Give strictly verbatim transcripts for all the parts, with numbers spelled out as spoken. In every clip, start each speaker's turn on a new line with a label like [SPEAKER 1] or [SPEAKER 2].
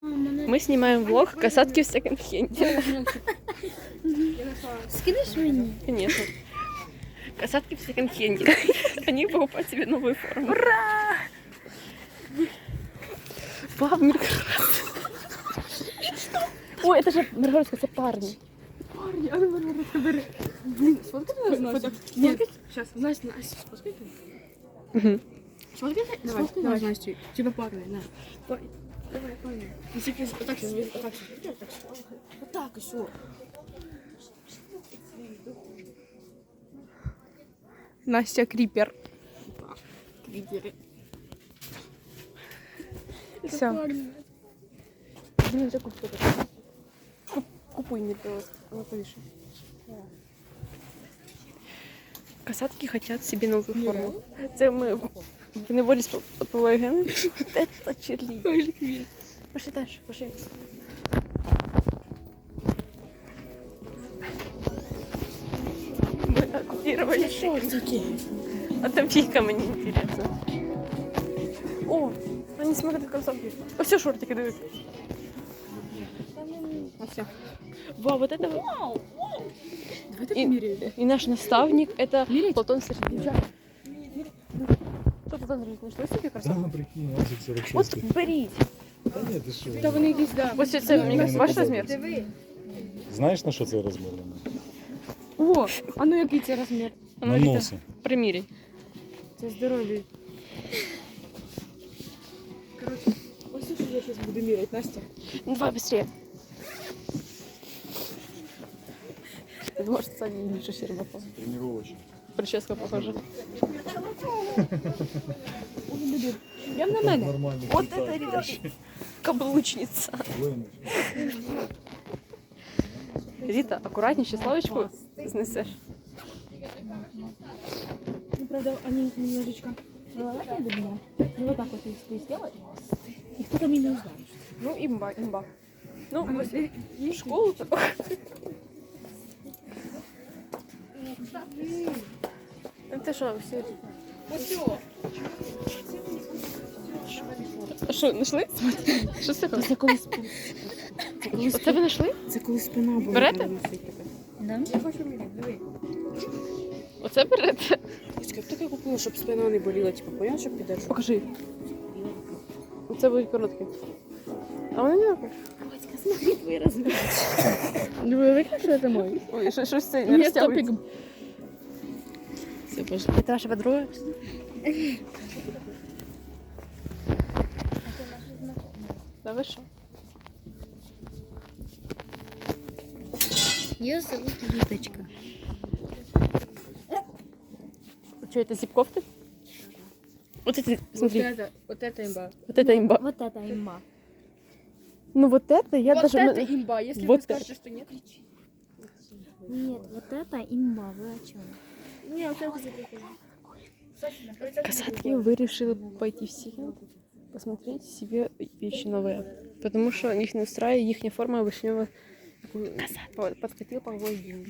[SPEAKER 1] Мы снимаем влог «Касатки в секонд-хенде».
[SPEAKER 2] Скинешь мне?
[SPEAKER 1] Конечно. Касатки в секонд-хенде. Они покупают себе новую форму. Ура! Пап, Миргородская. Ой, это же Миргородская, это парни.
[SPEAKER 3] Парни, а ну Миргородская, бери. Блин, сфоткай нас, Настя. Нет, сейчас, Настя, Настя, сфоткай ты.
[SPEAKER 1] Угу.
[SPEAKER 3] Сфоткай ты? Давай, давай, Настя. Типа парни, на. Давай, давай, парни. Если ты вот так сейчас, вот так сейчас. Вот так и все.
[SPEAKER 1] Настя Крипер.
[SPEAKER 3] Криперы.
[SPEAKER 1] Все. Блин, уже купи. Купуй мне, пожалуйста. Она повыше. Касатки хотят себе новую форму. Це ми в неволі спливаємо. Це черлі. Пошли дальше, пошли. Мы оккупировали шортики. А там фигка мне интересно. О, они смотрят кроссовки. А все шортики дают. А все. Вау, вот это вот.
[SPEAKER 3] Давай так
[SPEAKER 1] И,
[SPEAKER 3] меряем.
[SPEAKER 1] и наш наставник это
[SPEAKER 3] Мерить?
[SPEAKER 1] Платон Сергеевич. Что Платон Сергеевич, нашли себе кроссовки?
[SPEAKER 4] Да, прикинь, Азик сорок
[SPEAKER 1] Вот
[SPEAKER 4] шесть.
[SPEAKER 1] беріть.
[SPEAKER 4] Та ні, ти що?
[SPEAKER 3] Та вони якісь, да.
[SPEAKER 1] Ось це, мені кажется, ваш розмір.
[SPEAKER 4] Знаєш, на що це розмір?
[SPEAKER 3] О, а ну який це розмір?
[SPEAKER 1] А
[SPEAKER 4] На
[SPEAKER 1] ну, Віта,
[SPEAKER 4] носи.
[SPEAKER 1] приміряй.
[SPEAKER 3] Це здоров'я. Короче, ось що я зараз буду міряти, Настя.
[SPEAKER 1] Ну, давай быстрее. Может, Саня ниже Щербакова.
[SPEAKER 4] Тренировочно.
[SPEAKER 1] Прическа похожа.
[SPEAKER 3] Прям на мене.
[SPEAKER 4] Нормально.
[SPEAKER 1] Вот это, ребята, каблучница. Рита, аккуратнее, славочку снесешь.
[SPEAKER 3] Ну, правда, они немножечко маловато для меня. Ну, вот так вот, если ты сделаешь, и кто-то меня не узнает.
[SPEAKER 1] Ну, имба, имба. Ну, в школу такой. Это что, все? Що, знайшли? Що це таке?
[SPEAKER 3] Це коли
[SPEAKER 1] Оце ви знайшли?
[SPEAKER 3] Це коли спина була.
[SPEAKER 1] Берете?
[SPEAKER 2] Да?
[SPEAKER 3] Я хочу міряти, диви.
[SPEAKER 1] Оце берете?
[SPEAKER 3] Ось таке купила, щоб спина не боліла, типу, поняла, щоб підеш.
[SPEAKER 1] Покажи. Оце будуть короткі. А вони не такі.
[SPEAKER 3] Батька, смотри твої розміри.
[SPEAKER 1] Ви викликали це мой? Ой, що- щось це не
[SPEAKER 3] Ні,
[SPEAKER 1] розтягується.
[SPEAKER 3] топік. Все, пошли.
[SPEAKER 1] Це ваша подруга? Да ви що?
[SPEAKER 2] Ее зовут Литочка.
[SPEAKER 1] Что, это зип-кофты? Вот эти,
[SPEAKER 3] Вот
[SPEAKER 1] смотри,
[SPEAKER 3] это, вот это имба.
[SPEAKER 1] вот это имба.
[SPEAKER 2] Вот это имба.
[SPEAKER 1] Ну вот это я
[SPEAKER 3] Вот
[SPEAKER 1] даже...
[SPEAKER 3] это имба, если
[SPEAKER 1] Вот
[SPEAKER 3] вы скажете, что нет.
[SPEAKER 2] Нет, вот это имба. Вы о чем?
[SPEAKER 3] Не, вот это
[SPEAKER 1] Касатки вы решили пойти в Сиген, посмотреть себе вещи новые. Потому что их не устраивает, их форма вишневая. Подкатил по деньги.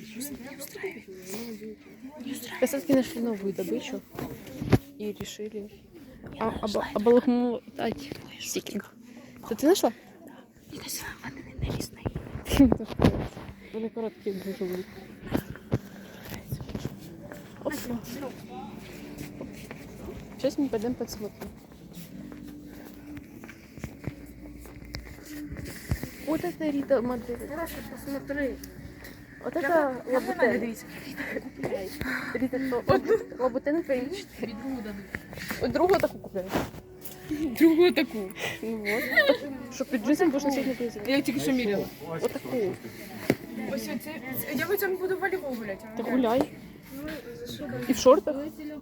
[SPEAKER 1] Касатки нашли новую добычу и решили а, оба, оболохмутать Сиген. Это ты нашла? Вони короткі дуже будуть. Опа. Сейчас мы пойдем посмотрим. Вот это Рита модель.
[SPEAKER 3] посмотри.
[SPEAKER 1] Вот это лабутен. Рита, то вот лабутен твои четыре. Вот другую такую купляю.
[SPEAKER 3] Другую такую.
[SPEAKER 1] Ну вот. Чтоб під джинсом будешь носить на поясе.
[SPEAKER 3] Я тільки що міряла.
[SPEAKER 1] Вот такую.
[SPEAKER 3] Ось це, я в цьому буду волейбол гуляти.
[SPEAKER 1] Ты гуляй. И в шортах.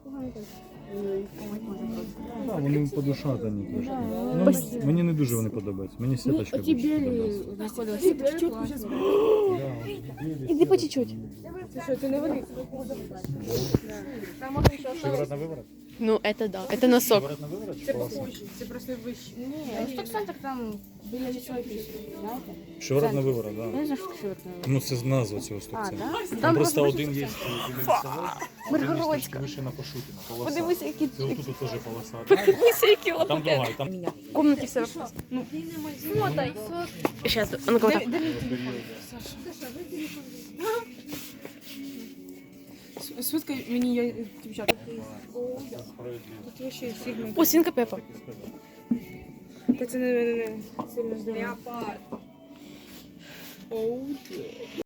[SPEAKER 4] Да, вони подушатані трошки. Ну, мені не дуже вони подобаються. Мені сіточка
[SPEAKER 3] Оті
[SPEAKER 4] більше
[SPEAKER 3] білі
[SPEAKER 4] подобається.
[SPEAKER 3] знаходилися. Чітко зараз.
[SPEAKER 1] Иди по чуть-чуть.
[SPEAKER 3] Це що, це не вони?
[SPEAKER 4] Шиворот на виворот?
[SPEAKER 1] Ну, это да. Это носок.
[SPEAKER 4] Виворот на виворот чи полоса?
[SPEAKER 3] Це просто вище. Ні, ну центр там біля лісової пісні, знаєте?
[SPEAKER 4] Шиворот на виворот, так.
[SPEAKER 3] Я
[SPEAKER 4] Да.
[SPEAKER 3] не знаю, що це.
[SPEAKER 4] Ну це назва цього стопця.
[SPEAKER 3] да?
[SPEAKER 4] Там просто один є біля лісової, один
[SPEAKER 1] Миргородська.
[SPEAKER 4] трошки вище на Пашутіна, полоса.
[SPEAKER 1] Подивися, які
[SPEAKER 4] Це отут от теж полоса.
[SPEAKER 1] подивися, які
[SPEAKER 4] А там
[SPEAKER 1] лапки.
[SPEAKER 4] друга, і там
[SPEAKER 1] В комнате все вопрос. Ну, смотай. Сейчас, а ну-ка вот так.
[SPEAKER 3] Швидко мені я дівчата. Тут вообще сильно.
[SPEAKER 1] О, свинка Пеппа.
[SPEAKER 3] Та це не, не, не сильно здорово.